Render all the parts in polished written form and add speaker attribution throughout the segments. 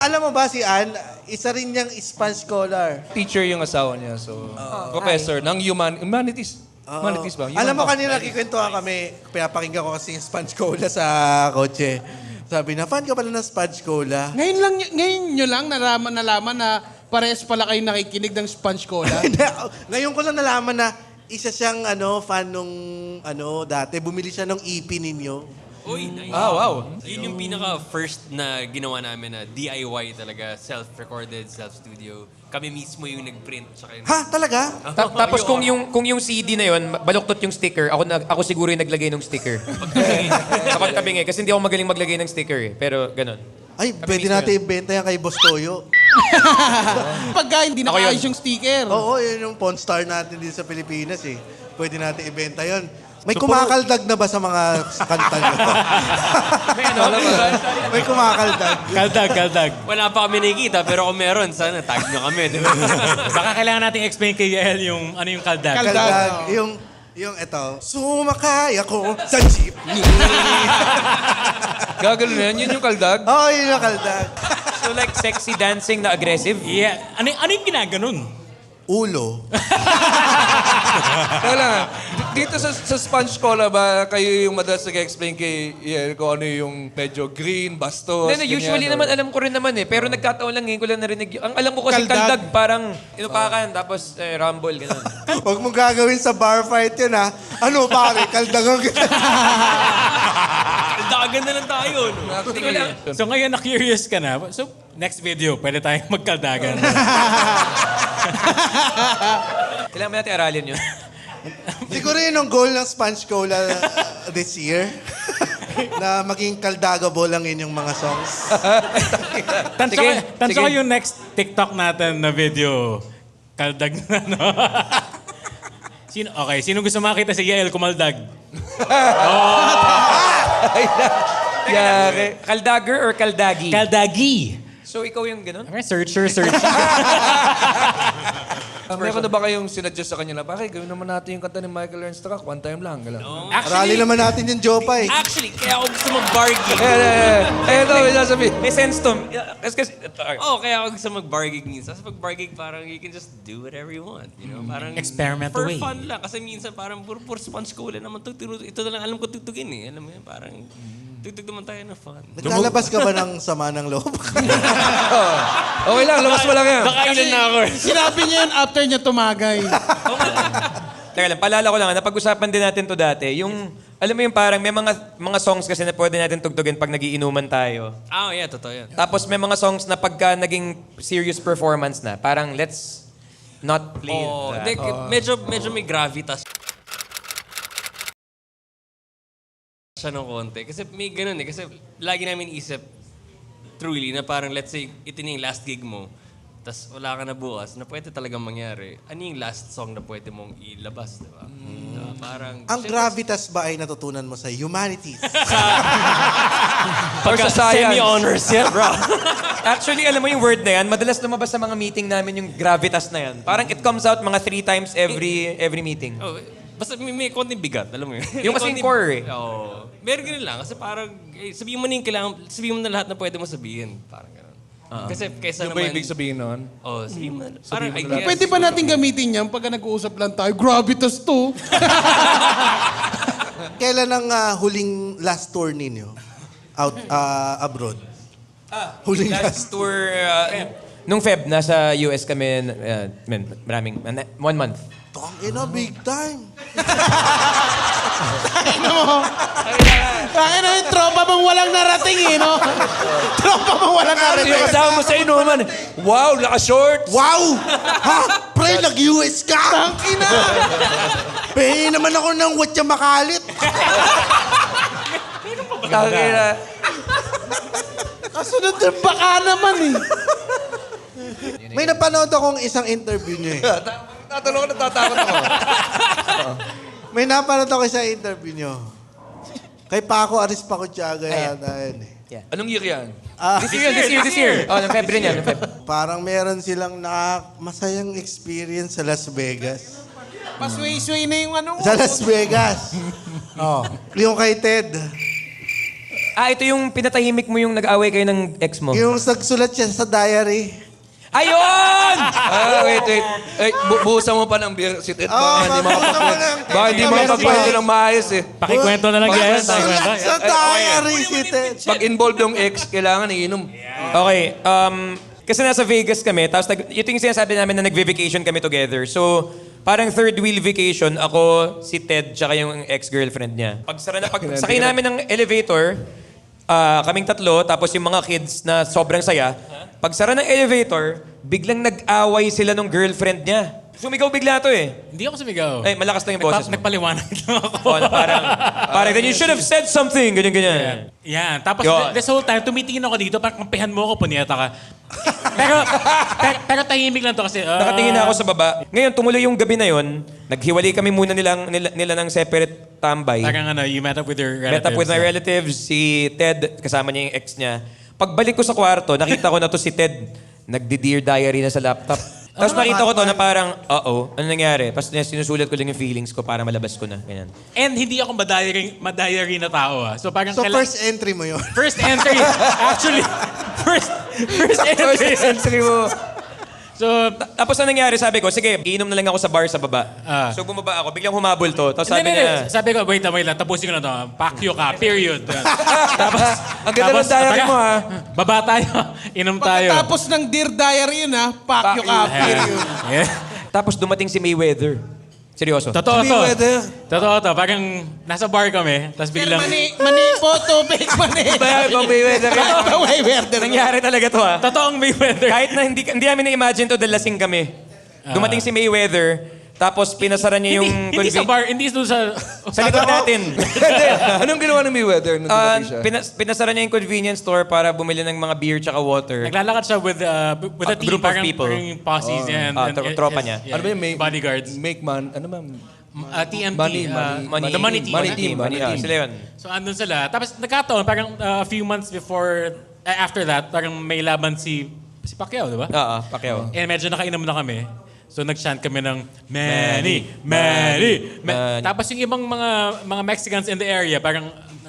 Speaker 1: Alam mo ba si Ann, isa rin niyang Spanish scholar.
Speaker 2: Teacher yung asawa niya, so professor ng humanities. Humanities ba?
Speaker 1: Alam mo, kanina nakikwentuhan kami, pinapakinggan ko kasi yung Spanish Cola sa kotse. Sabi na, fan ka pala ng Spanish Cola.
Speaker 3: Ngayon nyo lang nalaman na parehas pala kayo nakikinig ng Sponge Cola.
Speaker 1: Ngayon ko lang nalaman na isa siyang fan nung dati. Bumili siya ng EP ninyo.
Speaker 4: Uy, nice.
Speaker 2: Ah, wow.
Speaker 4: Yun yung pinaka-first na ginawa namin na DIY talaga, self-recorded, self-studio. Kami mismo yung nag-print. Tsaka yung...
Speaker 1: Ha? Talaga?
Speaker 5: Tapos kung yung CD na yon, baluktot yung sticker, ako siguro yung naglagay ng sticker. Kapag tabingi, kasi hindi ako magaling maglagay ng sticker eh. Pero ganun.
Speaker 1: Ay, pwede natin ibenta yan kay Boss Toyo.
Speaker 3: Pagka hindi
Speaker 5: Ako yun.
Speaker 3: nakaayos yung sticker.
Speaker 1: Oo, yun yung pawn star natin dito sa Pilipinas eh. Pwede natin ibenta yon. May kumakaldag na ba sa mga kanta nyo? May kumakaldag.
Speaker 6: Kaldag.
Speaker 4: Wala pa kami nakikita, pero kung meron, sana tag nyo kami. Di ba?
Speaker 6: Baka kailangan natin explain kay Yael yung ano yung kaldag.
Speaker 1: Kaldag. Yung eto, sumakay ako sa jeepney.
Speaker 2: Gagalo na yan, yun yung kaldag.
Speaker 1: Oo, yun yung kaldag.
Speaker 5: So like sexy dancing na aggressive?
Speaker 6: Yeah. Ano yung ginaganon?
Speaker 1: Ulo.
Speaker 2: Kaya lang, dito sa Sponge Cola ba, kayo yung madalas nag-explain kay Yael kung ano yung medyo green, bastos,
Speaker 5: Hindi, usually
Speaker 2: ganyan,
Speaker 5: naman alam ko rin naman eh. Pero nagkataon lang, ngayon ko lang narinig. Ang alam ko kasi kaldag, parang inupakan, tapos rumble, gano'n.
Speaker 1: Huwag mong gagawin sa bar fight yun, ha? Ano, pare? Kaldagan kita.
Speaker 4: Dagan na lang tayo. No?
Speaker 5: Hindi ko lang.
Speaker 6: So ngayon na-curious ka na. So next video, pwede tayong magkaldagan.
Speaker 5: Kailangan mo natin aralin yun.
Speaker 1: Siguro yun ang goal ng Sponge Cola this year. Na maging kaldagable ang inyong mga songs.
Speaker 6: Tanso ko yung next TikTok natin na video. Kaldag na, no? Sino gusto makita si Yael kumaldag?
Speaker 5: Kaldagger or kaldagi?
Speaker 6: Kaldagi!
Speaker 5: So ikaw yung gano'n?
Speaker 6: Okay, searcher.
Speaker 2: Meron na ba kayong sinuggest sa kanya na, bakit gawin naman natin yung kanta ni Michael Ernst Track, one time lang, gano'n.
Speaker 1: Arali naman natin yung Jopa eh.
Speaker 4: Actually, kaya ako gusto mag-bar gig.
Speaker 2: Ito, may sasabihin.
Speaker 5: May sense to. Kasi,
Speaker 4: Kaya ako gusto mag-bar gig minsan. Kasi pag-bar gig, parang you can just do whatever you want. You know? Parang
Speaker 6: Experiment
Speaker 4: for
Speaker 6: away.
Speaker 4: fun lang. Kasi minsan parang puro Sponge Cola naman. Ito na lang alam ko tugtugin eh. Alam mo yun, parang tugtog naman tayo na fun.
Speaker 1: Naglalabas ka ba ng sama ng loob?
Speaker 2: Okay lang, labas mo lang yan.
Speaker 4: Nakailan na ako.
Speaker 3: Sinabi niya yun after niya tumagay.
Speaker 5: teka lang, paalala ko lang, napag-usapan din natin to dati. Yung, alam mo yung parang may mga songs kasi na pwede natin tugtugin pag nagiinuman tayo.
Speaker 4: Yeah, totoo yan.
Speaker 5: Tapos may mga songs na pagka naging serious performance na, parang let's not play that.
Speaker 4: Medyo may gravitas siya ng konti. Kasi may ganun eh. Kasi lagi namin isip, truly, na parang let's say, ito na yung last gig mo, tas wala ka na bukas, na pwede talagang mangyari. Ano yung last song na pwede mong ilabas, di ba? Parang...
Speaker 1: Ang gravitas ba ay natutunan mo sa humanities?
Speaker 5: Or sa science.
Speaker 4: Semi-honors yan, bro.
Speaker 5: Actually, alam mo yung word na yan, madalas lumabas sa mga meeting namin yung gravitas na yan. Parang it comes out mga 3 times every meeting.
Speaker 4: Basta may konting bigat, alam mo yun.
Speaker 5: Yung kasing core eh.
Speaker 4: Oo. Meron ganun lang. Kasi parang, sabihin mo na yung kailangan, sabihin mo na lahat na pwede mo sabihin. Parang ganun. Kasi kaysa
Speaker 2: Ano ba
Speaker 4: naman...
Speaker 2: ibig sabihin nun?
Speaker 4: Sabihin mo na. Parang, I guess,
Speaker 3: Pwede ba natin gamitin yan pagka nag-uusap lang tayo? Gravitas to.
Speaker 1: Kailan ang huling last tour ninyo? Out abroad? Huling
Speaker 5: Last tour, nung Feb, nasa US kami, maraming, 1 month.
Speaker 1: Big time.
Speaker 3: Bakit na yung tropa mong walang narating eh, no? Tropa mong walang narating.
Speaker 5: Yung kasama mo sa inuman, wow, naka-shorts!
Speaker 1: Wow! Ha? Pre, nag-US ka? Tangina! Pahin naman ako ng watya makalit.
Speaker 5: Tangina.
Speaker 3: Kasunod na baka naman eh.
Speaker 1: May napanood akong isang interview niyo eh.
Speaker 2: Tatanong ko, natatakot ako.
Speaker 1: May napanood ako isang interview niyo. Kay Paco Arispacochaga yata yun eh.
Speaker 2: Anong year yan?
Speaker 5: This year. Oh, ng Feb rin yan.
Speaker 1: Parang meron silang masayang experience sa Las Vegas.
Speaker 3: Pasway-sway na yung ano.
Speaker 1: Sa Las Vegas. Oh. Yung kay Ted.
Speaker 5: ito yung pinatahimik mo yung nag-away kayo ng ex mo.
Speaker 1: Yung nagsulat siya sa diary.
Speaker 5: Ayun!
Speaker 2: Wait. Buhusan mo pa ng beer si Ted.
Speaker 1: Oh,
Speaker 2: Baka hindi makapagkwento ng maayos eh.
Speaker 6: Pakikwento na lang yan.
Speaker 1: Nagsulat sa diary si Ted.
Speaker 2: Pag involved yung ex, kailangan iinom.
Speaker 5: Okay, kasi nasa Vegas kami, tapos ito yung sinasabi namin na nag-vacation kami together. So, parang third wheel vacation, ako, si Ted, tsaka yung ex-girlfriend niya. Sakay namin ng elevator, kaming tatlo, tapos yung mga kids na sobrang saya. Pagsara ng elevator, biglang nag-away sila nung girlfriend niya. Sumigaw bigla to eh.
Speaker 6: Hindi ako sumigaw.
Speaker 5: Ay, malakas lang yung boses mo.
Speaker 6: Nagpaliwanag lang ako.
Speaker 5: Oh, na parang then you should have said something, ganyan.
Speaker 6: Yan. Tapos
Speaker 5: Yun.
Speaker 6: this whole time, tumitingin ako dito, parang kampihan mo ako, punyeta ka. pero tahimik lang to kasi...
Speaker 5: Nakatingin na ako sa baba. Ngayon, tumuloy yung gabi na yon. Naghiwalay kami muna nila ng separate tambay.
Speaker 6: Parang you met up with your relatives.
Speaker 5: Met up with my relatives, si Ted, kasama niya yung ex niya. Pagbalik ko sa kwarto, nakita ko na to si Ted. Nagdi-dear diary na sa laptop. Tapos nakita ko to na parang, ano nangyari? Tapos sinusulat ko lang yung feelings ko para malabas ko na. Ganyan.
Speaker 6: And hindi ako madiary na tao ah. So parang...
Speaker 1: So first entry mo yun.
Speaker 6: First entry. Actually, first entry.
Speaker 2: Entry mo.
Speaker 6: So,
Speaker 5: Tapos ang nangyari, sabi ko, sige, iinom na lang ako sa bar sa baba.
Speaker 6: Ah.
Speaker 5: So bumaba ako, biglang humabol to. Tapos sabi
Speaker 6: hindi.
Speaker 5: niya,
Speaker 6: Sabi ko, wait lang. Tapusin ko na to. Pakyo ka, period. Tapos,
Speaker 2: Ang ganda ng diary mo, ha?
Speaker 6: Baba tayo. Inom tayo.
Speaker 3: Pagkatapos ng Dear Diary yun ha, pakyo ka, period.
Speaker 6: Yeah.
Speaker 5: tapos dumating si Mayweather. Seryoso.
Speaker 6: Totoo to.
Speaker 2: Mayweather.
Speaker 6: Totoo to. Parang nasa bar kami, tapos biglang...
Speaker 3: Mani photo, fake mani.
Speaker 2: Pag Mayweather.
Speaker 3: Mayweather.
Speaker 5: Nangyari talaga to ha.
Speaker 6: Totoong Mayweather.
Speaker 5: Kahit na hindi namin na-imagine to dahil lasing kami. Dumating si Mayweather, tapos pinasara niya yung...
Speaker 6: Hindi sa bar, hindi doon sa...
Speaker 5: Sa likod natin.
Speaker 2: Hindi. Anong ginawa ni Mayweather nung dumating siya?
Speaker 5: Pinasara niya yung convenience store para bumili ng mga beer tsaka water.
Speaker 6: Naglalakad siya with a team,
Speaker 5: group of
Speaker 6: parang,
Speaker 5: people.
Speaker 6: parang yung posses niya.
Speaker 5: tropa niya.
Speaker 2: Ano ba yung
Speaker 6: bodyguards.
Speaker 2: Make man, ano ma'am?
Speaker 6: TMT.
Speaker 2: Money
Speaker 6: the money team.
Speaker 2: Money team.
Speaker 5: Sila yun.
Speaker 6: So andun sila. Tapos nagkataon, parang a few months before, after that, parang may laban si Pacquiao, di ba?
Speaker 5: Oo, Pacquiao.
Speaker 6: And medyo nakainom na kami. So nag-chant kami ng
Speaker 5: Manny.
Speaker 6: Tapos yung ibang mga Mexicans in the area, parang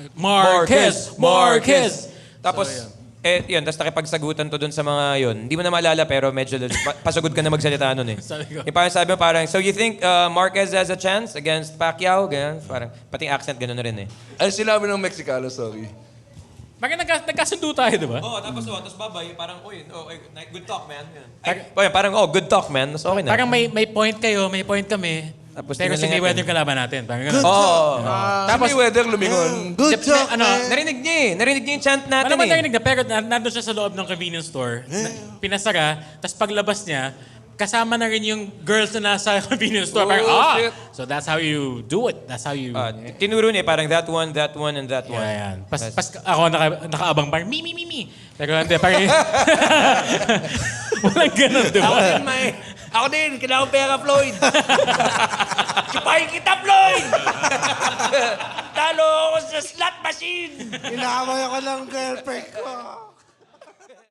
Speaker 6: Marquez.
Speaker 5: Tapos, yun, tapos nakipagsagutan to dun sa mga yun. Hindi mo na maalala pero medyo pasagod ka na magsalita nun eh.
Speaker 6: Sabi ko.
Speaker 5: Yung parang sabi mo parang, so you think Marquez has a chance against Pacquiao? Ganyan. Parang, pati yung accent ganun na rin eh.
Speaker 2: Ay, sinabi ng Mexicano, sorry.
Speaker 6: Parang nagkasundo tayo, di ba?
Speaker 5: Oo, tapos babay, parang, good talk, man. Parang, good talk, man. Tapos okay na.
Speaker 6: Parang may point kayo, may point kami.
Speaker 5: Tapos
Speaker 6: Pero si
Speaker 5: tingnan
Speaker 6: Mayweather
Speaker 5: natin.
Speaker 6: kalaban natin. Parang ganun.
Speaker 5: Oo.
Speaker 2: Tapos, si Mayweather lumingon.
Speaker 1: Good job, man.
Speaker 5: Narinig niya eh. Narinig niya yung chant natin
Speaker 6: Ano man
Speaker 5: eh.
Speaker 6: narinig na, pero nandun siya sa loob ng convenience store. Pinasara, tapos paglabas niya, kasama na rin yung girls na nasa convenience store. Parang,
Speaker 2: shit.
Speaker 6: so that's how you do it. That's how you...
Speaker 5: Tinuro niya parang that one, and that one.
Speaker 6: Yeah, yan. Pas ako nakaabang parang, me. Pero hindi, parang... Walang ganun, di ba?
Speaker 2: Ako din, kailangan pera, Floyd. Sipahin kita, Floyd! Talo ako sa slot machine!
Speaker 1: Inaway ako ng girlfriend ko.